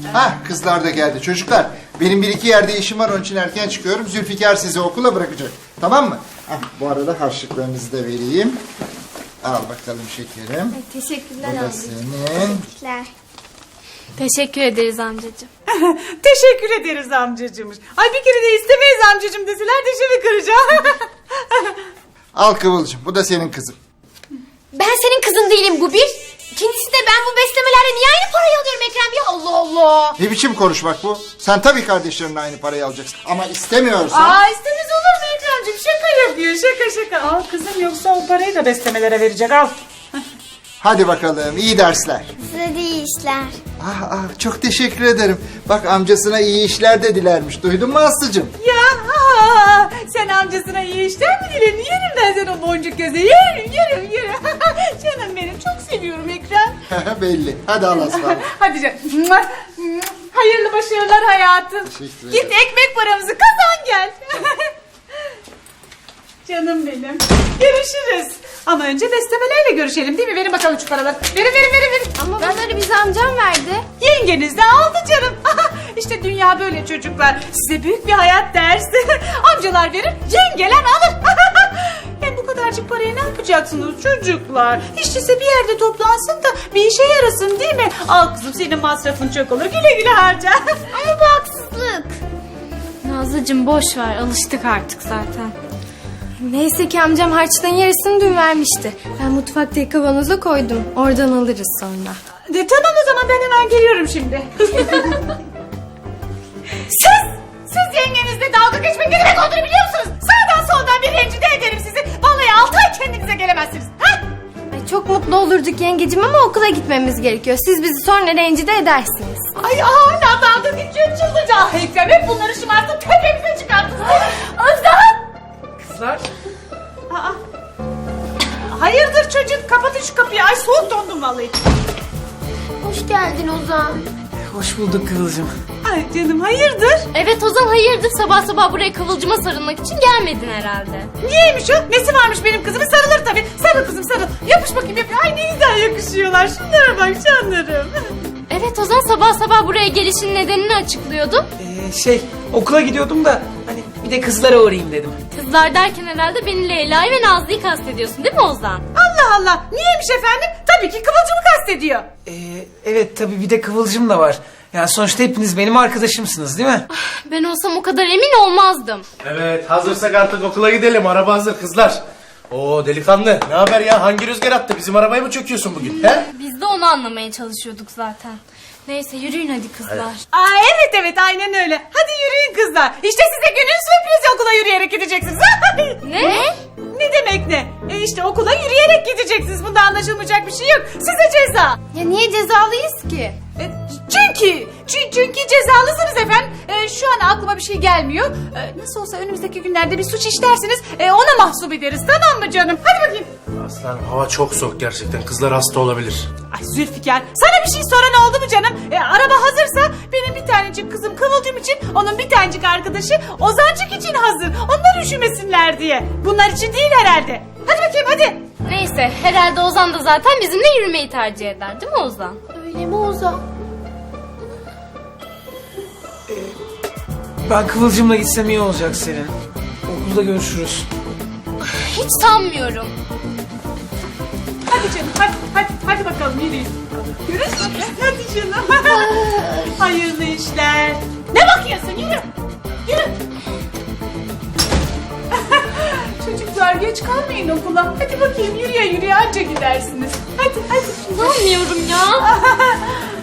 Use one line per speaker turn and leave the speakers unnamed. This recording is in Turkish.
Hah, kızlar da geldi. Çocuklar, benim bir iki yerde işim var, onun için erken çıkıyorum. Zülfikar sizi okula bırakacak. Tamam mı? Hah, bu arada harçlıklarınızı da vereyim. Al bakalım şekerim.
Ay, teşekkürler
Bu da
amcacığım.
senin.
Teşekkürler. Teşekkür ederiz amcacığım.
Teşekkür ederiz amcacığım. Ay bir kere de istemeyiz amcacığım deseler dişimi kıracağım.
Al Kıvılcım, bu da senin kızım.
Ben senin kızın değilim bu bir. İkincisi de ben bu beslemelerle niye aynı parayı alıyorum Ekrem ya? Allah Allah.
Ne biçim konuşmak bu? Sen tabii kardeşlerinle aynı parayı alacaksın. Ama istemiyorsan...
Aa istemez olur mu Ekrem'ciğim? Şaka yapıyor şaka. Al kızım yoksa o parayı da beslemelere verecek al.
Hadi bakalım, iyi dersler.
Size de iyi işler.
Çok teşekkür ederim. Bak, amcasına iyi işler de dilermiş. Duydun mu Aslı'cığım?
Ya sen amcasına iyi işler mi diledin? Yerim ben sen o boncuk göze. Yerim. Canım benim çok seviyorum Ekrem.
Belli. Hadi al Aslı.
Hadi canım. Hayırlı başarılar hayatım.
Teşekkür
Git
ederim.
ekmek paramızı kazan gel. Canım benim. Görüşürüz. Ama önce beslemelerle görüşelim değil mi? Verin bakalım şu paraları. Verin.
Ama bunları bize amcam verdi.
Yengeniz de aldı canım. İşte dünya böyle çocuklar. Size büyük bir hayat dersi. Amcalar verir, yengeler alır. Hem bu kadarcık parayı ne yapacaksınız çocuklar? Hiç değilse bir yerde toplansın da bir işe yarasın değil mi? Al kızım senin masrafın çok olur. Güle güle harca.
Ama bu haksızlık.
Nazlıcığım boş ver, alıştık artık zaten. Neyse ki amcam harçlığın yarısını dün vermişti. Ben mutfaktaki kavanoza koydum. Oradan alırız sonra.
Tamam o zaman ben hemen geliyorum şimdi. Siz yengenizle dalga geçmek ne demek olduğunu biliyor musunuz? Sağdan soldan bir rencide ederim sizi. Vallahi 6 ay kendinize gelemezsiniz. Ha?
Ay, çok mutlu olurduk yengecim ama okula gitmemiz gerekiyor. Siz bizi sonra rencide edersiniz.
Ay hala dalga geçiyor çıldıracağım. Ekrem hep bunları şımartıp tepemize çıkarttınız. Özlem!
Kızlar.
Aa. Hayırdır çocuk? Kapatın şu kapıyı. Ay soğuk dondum vallahi.
Hoş geldin Ozan.
Hoş bulduk Kıvılcım.
Ay canım hayırdır?
Evet Ozan hayırdır, sabah sabah buraya kıvılcıma sarılmak için gelmedin herhalde.
Niyeymiş o? Nesi varmış benim kızımın? Sarılır tabii. Sarıl kızım sarıl. Yapış bakayım yapış. Ay ne güzel yakışıyorlar. Şunlara bak canlarım.
Evet Ozan sabah sabah buraya gelişin nedenini açıklıyordu.
Okula gidiyordum da hani bir de kızlara uğrayayım dedim.
Kızlar derken herhalde beni Leyla'yı ve Nazlı'yı kastediyorsun değil mi Ozan?
Allah Allah. Niyeymiş efendim? Tabii ki Kıvılcım'ı kastediyor.
Evet tabii bir de Kıvılcım da var. Yani sonuçta hepiniz benim arkadaşımsınız değil mi?
Ben olsam o kadar emin olmazdım.
Evet, hazırsak artık okula gidelim. Araba hazır kızlar. Oo delikanlı, ne haber ya? Hangi rüzgar attı? Bizim arabaya mı çöküyorsun bugün? He?
Biz de onu anlamaya çalışıyorduk zaten. Neyse yürüyün hadi kızlar.
Aa evet aynen öyle. Hadi yürüyün kızlar. İşte size günün sürprizi okula yürüyerek gideceksiniz.
Ne?
Ne demek ne? İşte okula yürüyerek gideceksiniz. Bunda anlaşılmayacak bir şey yok. Size ceza.
Ya niye cezalıyız ki?
Çünkü cezalısınız efendim. Şu an aklıma bir şey gelmiyor. Nasıl olsa önümüzdeki günlerde bir suç işlersiniz. Ona mahsup ederiz tamam mı canım? Hadi bakayım.
Aslanım hava çok soğuk gerçekten. Kızlar hasta olabilir.
Ay Zülfikar sana bir şey soran oldu mu canım? Araba hazırsa benim bir tanecik kızım Kıvılcım için onun bir tanecik arkadaşı Ozancık için hazır. Onlar üşümesinler diye. Bunlar için değil herhalde. Hadi bakayım hadi.
Neyse herhalde Ozan da zaten bizimle yürümeyi tercih eder değil mi Ozan?
Öyle mi Ozan?
Ben Kıvılcım'la gitsem iyi olacak senin. Okulda görüşürüz.
Hiç sanmıyorum.
Hadi canım hadi bakalım yürüyün. Görüşürüz. Hadi canım. Hayırlı işler. Ne bakıyorsun yürü. Çocuklar geç kalmayın okula. Hadi bakayım yürüye anca gidersiniz. Hadi.
İnanmıyorum ya.